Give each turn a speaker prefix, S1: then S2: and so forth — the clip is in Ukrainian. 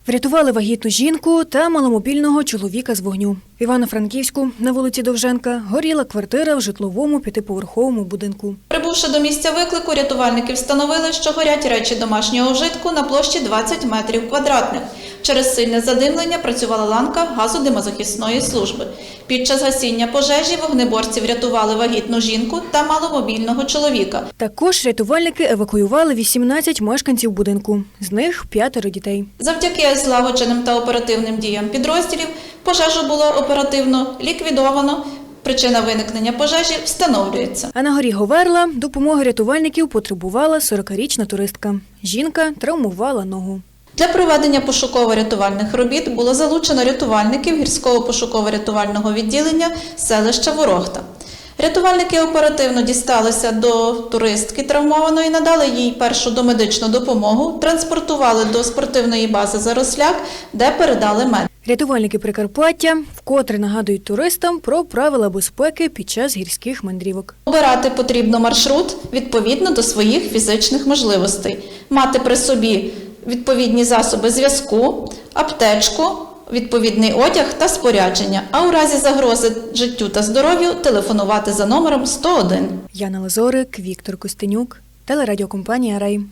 S1: Врятували вагітну жінку та маломобільного чоловіка з вогню. В Івано-Франківську на вулиці Довженка горіла квартира в житловому п'ятиповерховому будинку.
S2: Прибувши до місця виклику, рятувальники встановили, що горять речі домашнього вжитку на площі 20 метрів квадратних. Через сильне задимлення працювала ланка газодимозахисної служби. Під час гасіння пожежі вогнеборці врятували вагітну жінку та маломобільного чоловіка.
S1: Також рятувальники евакуювали 18 мешканців будинку, з них 5 дітей.
S2: Завдяки злагодженим та оперативним діям підрозділів пожежу було оперативно ліквідовано. Причина виникнення пожежі встановлюється.
S1: А на горі Говерла допомоги рятувальників потребувала 40-річна туристка. Жінка травмувала ногу.
S2: Для проведення пошуково-рятувальних робіт було залучено рятувальників гірського пошуково-рятувального відділення селища Ворохта. Рятувальники оперативно дісталися до туристки травмованої, надали їй першу домедичну допомогу, транспортували до спортивної бази «Заросляк», де передали медикам.
S1: Рятувальники Прикарпаття вкотре нагадують туристам про правила безпеки під час гірських мандрівок.
S2: Обирати потрібно маршрут відповідно до своїх фізичних можливостей. Мати при собі відповідні засоби зв'язку, аптечку, відповідний одяг та спорядження, а у разі загрози життю та здоров'ю телефонувати за номером 101.
S1: Яна Лазорик, Віктор Костенюк, телерадіокомпанія «Рай».